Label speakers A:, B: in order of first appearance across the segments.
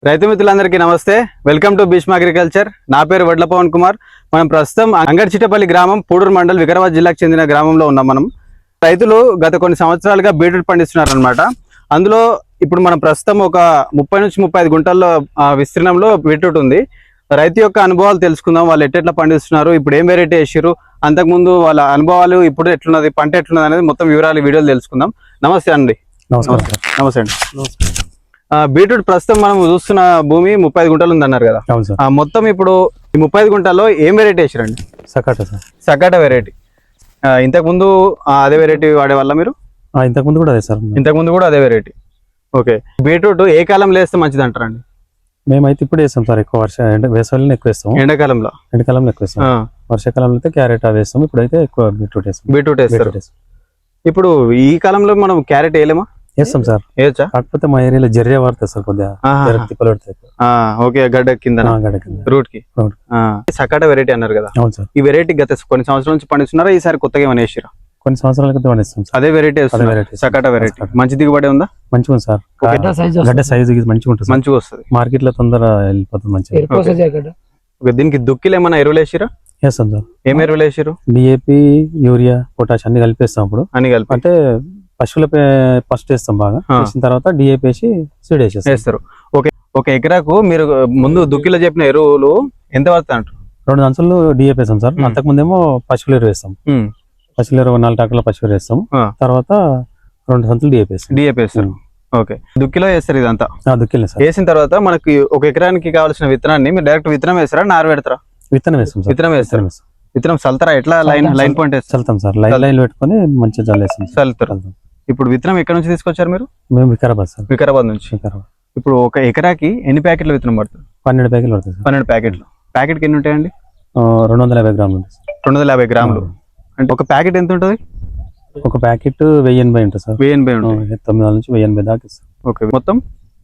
A: రైతు మిత్రులందరికీ నమస్తే. Welcome to Bhishma agriculture. నా పేరు వడ్ల పవన్ కుమార్. మనం ప్రస్తుతం అంగడిచిట్టపల్లి గ్రామం, పూడూరు మండల్, వికారాబాద్ జిల్లాకు చెందిన గ్రామంలో ఉన్నాం. మనం రైతులు గత కొన్ని సంవత్సరాలుగా బీట్రూట్ పండిస్తున్నారు అనమాట. అందులో ఇప్పుడు మనం ప్రస్తుతం ఒక 30 నుంచి 35 గుంటల్లో విస్తీర్ణంలో బీట్రూట్ ఉంది. రైతు యొక్క అనుభవాలు తెలుసుకుందాం. వాళ్ళు ఎట్లా పండిస్తున్నారు, ఇప్పుడు ఏం వెరైటీ వేసారు, అంతకుముందు వాళ్ళ అనుభవాలు, ఇప్పుడు ఎట్లున్నది, పంట ఎట్లున్నది అనేది మొత్తం వివరాలు వీడియోలు తెలుసుకుందాం. నమస్తే అండి. నమస్తే అండి. బీట్రూట్ ప్రస్తుతం మనం చూస్తున్న భూమి 35 గుంటలు ఉంది అన్నారు కదా. మొత్తం ఇప్పుడు ఈ 35 గుంటల్లో ఏం వెరైటీ వేసారండి? Sakata variety. ఇంతకు ముందు అదే వెరైటీ వాడే వల్ల మీరు?
B: ఇంతకు ముందు కూడా అదే సార్.
A: ఇంతకు ముందు కూడా అదే వెరైటీ. ఓకే. బీట్రూట్ ఏ కాలంలో వేస్తే మంచిది అంటారండి?
B: మేమైతే ఇప్పుడు వేస్తాం సార్. ఎక్కువ వేసవిలో ఎక్కువ వేస్తాం.
A: ఎండాకాలంలో
B: ఎక్కువ వేస్తాం. వర్షాకాలంలో అయితే క్యారెట్ అవి వేస్తాం. ఇప్పుడైతే ఎక్కువ బీట్రూట్ వేస్తారు. ఇప్పుడు ఈ కాలంలో మనం క్యారెట్ వేయలేమా? వేస్తాం సార్.
A: వేయచ్చా?
B: కాకపోతే మా ఏరియాలో జర్రే వాడతారు సార్. కొద్దిగా తిప్పలు పడతాయి.
A: ఓకే. గడ్డ కింద రూట్ కి సకాటా వెరైటీ అన్నారు కదా.
B: అవును సార్.
A: ఈ వెరైటీ గత కొన్ని సంవత్సరాల నుంచి పండిస్తున్నారా? ఈసారి కొత్తగా ఏమైనా వేసిరా?
B: కొన్ని సంవత్సరాల క్రితం పండిస్తాం.
A: అదే వెరైటీ సకాటా వెరైటీ. మంచి దిగుబడి ఉందా?
B: మంచిగా ఉంది సార్. గడ్డ సైజు మంచిగా ఉంటుంది.
A: మంచిగా వస్తుంది.
B: మార్కెట్ లో తొందర వెళ్ళిపోతుంది. మంచిగా.
A: దీనికి దుక్కిలు ఏమైనా ఎరువులు వేసిరా?
B: వేస్తాం సార్.
A: ఏం ఎరువులు వేసారు?
B: డిఏపి, యూరియా, పొటాష్ అన్ని కలిపేస్తాం. అప్పుడు
A: అన్ని కలిపి
B: అంటే పశువుల ఫస్ట్ వేస్తాం. బాగా వేసిన తర్వాత డిఏపి వేసి సీడ్ వేస్తారు.
A: ఓకే. ఒక ఎకరాకు మీరు ముందు దుక్కిలో చెప్పిన ఎరువులు ఎంత పడుతుంది అంటారు?
B: 2 సంచులు డిఏపి వేస్తాం సార్. అంతకు ముందేమో పశువుల ఎరువు వేస్తాం. పశువుల ఎరువు 4 ట్రాక్టర్ల పశువుల వేస్తాం. తర్వాత 2 సంచులు డిఏపి వేస్తారు.
A: ఓకే. దుక్కిలో వేస్తారు ఇదంతా?
B: దుక్కిలో
A: వేసిన తర్వాత మనకి ఒక ఎకరానికి కావాల్సిన విత్తనాన్ని మీరు డైరెక్ట్ విత్తనం వేస్తారా, నారు పెడతారా?
B: విత్తనం వేస్తాం.
A: విత్తనం వేస్తారు. విత్తనం చల్తారా? ఎట్లా లైన్ పాయింట్
B: చల్తాం సార్. లైన్ పెట్టుకుని మంచిగా చల్లేస్తాం.
A: చల్లుతారు. ఇప్పుడు విత్తనం ఎక్కడ నుంచి తీసుకొచ్చారు మీరు?
B: మేము వికారాబాద్ సార్.
A: వికారాబాద్ నుంచి. ఇప్పుడు ఒక ఎకరాకి ఎన్ని ప్యాకెట్ల విత్తనం పడుతుంది?
B: 12 ప్యాకెట్లు పడుతుంది.
A: 12 ప్యాకెట్లు. ప్యాకెట్కి ఎన్ని ఉంటాయండి?
B: 250 గ్రాములు.
A: 250 గ్రాములు అంటే ఒక ప్యాకెట్ ఎంత ఉంటుంది?
B: ఒక ప్యాకెట్ 1080 ఉంటుంది సార్.
A: 1080 ఉంటుంది.
B: 900 నుంచి 1080 దాకా ఇస్తాం.
A: ఓకే. మొత్తం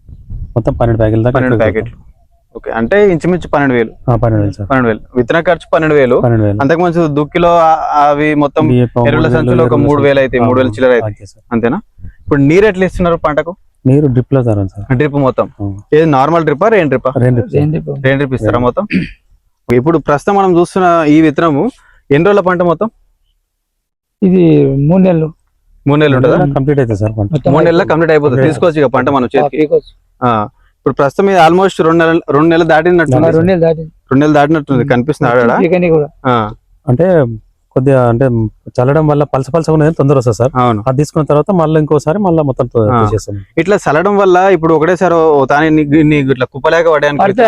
B: 12 ప్యాకెట్లు దాకా.
A: 12 ప్యాకెట్లు. ఓకే. అంటే ఇంచుమించు 12,000.
B: 12,000.
A: విత్తన ఖర్చు 12,000. అంతకు మంచి దుక్కిలో అవి మొత్తం ఎరువుల సంచులు ఒక 3,000 అయితే 3,000 చిల్లర అయితే అంతేనా? ఇప్పుడు నీరు ఎట్లా ఇస్తున్నారు పంటకు?
B: నీరు డ్రిప్ లో సార్.
A: డ్రిప్ మొత్తం ఏది నార్మల్ డ్రిప్పా, రెయిన్ డ్రిప్ ఇస్తారా మొత్తం? ఇప్పుడు ప్రస్తుతం మనం చూస్తున్న ఈ విత్తనము ఎన్ని రోజుల పంట మొత్తం?
C: ఇది 3 నెలలు.
A: 3 నెలలు ఉంటుందా?
B: కంప్లీట్ అయితే సార్.
A: 3 నెలల కంప్లీట్ అయిపోతుంది. తీసుకోవచ్చు ఇక పంట మనం చేతికి. ఇప్పుడు ప్రస్తుతం ఇది ఆల్మోస్ట్ 2 నెలలు దాటినట్టు.
C: 2 నెలలు
A: దాటినట్టుంది కనిపిస్తుంది.
B: అంటే కొద్దిగా అంటే చల్లడం వల్ల పలస ఉన్నది తొందర వస్తుంది సార్.
A: అవును.
B: అది తీసుకున్న తర్వాత మళ్ళీ ఇంకోసారి మొత్తం
A: ఇట్లా చల్లడం వల్ల ఇప్పుడు ఒకటేసారి ఇట్లా కుప్పలేక పడడానికి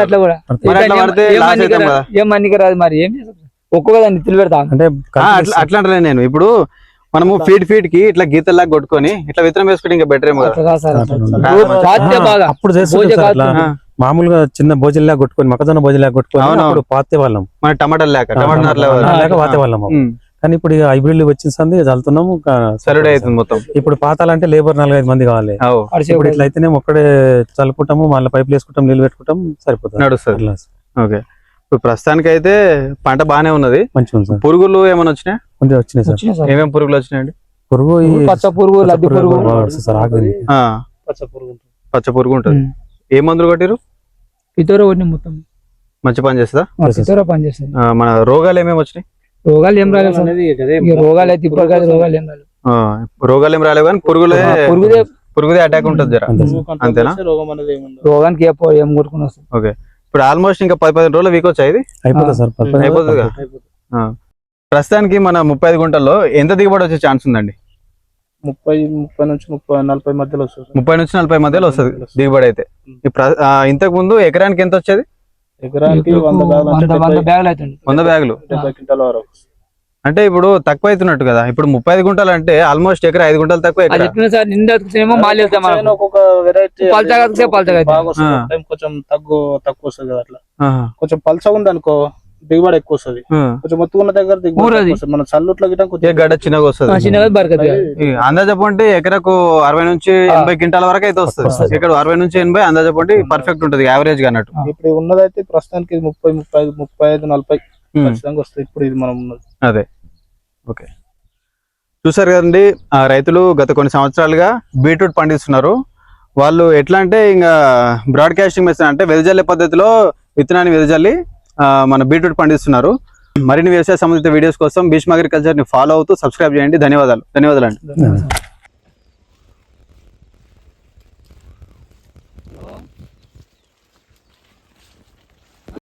C: ఒక్కొక్క నిధులు పెడతా
B: అంటే
A: అట్లా అంటే నేను ఇప్పుడు మనము ఫీడ్ కి ఇట్లా గీతల్లా కొట్టుకొని ఇట్లా విత్తనం వేసుకుంటే ఇంకా బెటర్ ఏమో.
B: అప్పుడు మామూలుగా చిన్న భోజనలా కొట్టుకొని, మొక్కజొన్న భోజనలా కొట్టుకొని పాతే వాళ్ళం.
A: మన టమాటా లేక
B: పాతే వాళ్ళం. కానీ ఇప్పుడు హైబ్రిడ్ వచ్చింది చల్లుతున్నాము.
A: సరిడే అవుతుంది మొత్తం.
B: ఇప్పుడు పాతాలంటే లేబర్ 4-5 మంది కావాలి. ఇప్పుడు ఇట్లా అయితేనే ఒక్కడే చల్లుకుంటాము, మళ్ళీ పైపులు వేసుకుంటాం, నీళ్ళు పెట్టుకుంటాం, సరిపోతుంది,
A: నడుస్తుంది. ఓకే. ఇప్పుడు ప్రస్తుతానికి అయితే పంట బానే ఉన్నది.
B: మంచిగా ఉంది సార్.
A: పురుగులు ఏమైనా వచ్చినాయి?
B: వచ్చినాయి సార్.
A: ఏమేమి పురుగులు వచ్చినాయండి?
B: పురుగు
C: పచ్చ పురుగు, లద్ది పురుగు,
A: పచ్చ పురుగు ఉంటుంది. ఏ మందులు కొట్టిరు?
C: పితోర మొత్తం
A: మంచి పని చేస్తుందా?
C: పనిచేస్తుంది.
A: మన రోగాలు ఏమేమి వచ్చినాయి?
C: రోగాలు ఏం రాలేదు. రోగాలు అయితే ఇప్పుడు కాదు.
A: రోగాలు ఏం రాలేవు కానీ పురుగుదే అటాక్ ఉంటుంది జర, అంతేనా?
C: రోగానికి ఏం కొట్టుకుని వస్తుంది.
A: ఓకే. ఇప్పుడు ఆల్మోస్ట్ ఇంకా 10-15 రోజులు వీక్ వచ్చాయి.
B: అయిపోతుంది సార్.
A: అయిపోతుందిగా. ప్రస్తుతానికి మన 35 గుంటల్లో ఎంత దిగుబడి వచ్చే ఛాన్స్ ఉందండి?
D: 30 నుంచి 40 మధ్యలో వస్తుంది.
A: 30 నుంచి 40 మధ్యలో వస్తుంది దిగుబడి అయితే. ఇంతకు ముందు ఎకరానికి ఎంత వచ్చేది?
D: ఎకరానికి
C: 100 బ్యాగులు అవుతుంది.
A: 100 బ్యాగులు.
D: 70 క్వింటాల వరకు.
A: అంటే ఇప్పుడు తక్కువ అవుతున్నట్టు కదా. ఇప్పుడు 35 గుంటలు అంటే ఆల్మోస్ట్ ఎకరా 5 గుంటలు తక్కువ.
D: కొంచెం తక్కువ వస్తుంది కదా. అట్లా కొంచెం పల్చ ఉంది అనుకో దిగుబడి ఎక్కువ వస్తుంది. కొంచెం మొత్తుకున్న దగ్గర దిగుబడి మన చల్లుట్లో
A: గడ్డ చిన్నగా వస్తుంది. అందాజ పండి ఎకరకు 60 నుంచి 80 క్వింటాల వరకు అయితే వస్తుంది. ఇక్కడ 60 నుంచి 80 అందాజ పండి పర్ఫెక్ట్ ఉంటుంది, యావరేజ్ గా అన్నట్టు.
D: ఇప్పుడు ఉన్నదైతే ప్రస్తుతానికి 30, 35, 40 ఖచ్చితంగా వస్తుంది. ఇప్పుడు ఇది మనం ఉన్నది
A: అదే. ఓకే. చూసారు కదండి, రైతులు గత కొన్ని సంవత్సరాలుగా బీట్రూట్ పండిస్తున్నారు. వాళ్ళు ఎట్లా అంటే ఇంకా బ్రాడ్కాస్టింగ్ మెథడ్ అంటే వెదజల్లే పద్ధతిలో విత్తనాన్ని వెదజల్లి మన బీట్రూట్ పండిస్తున్నారు. మరిన్ని వ్యవసాయ సంబంధిత వీడియోస్ కోసం భీష్మ అగ్రికల్చర్ ని ఫాలో అవుతూ సబ్స్క్రైబ్ చేయండి. ధన్యవాదాలు అండి.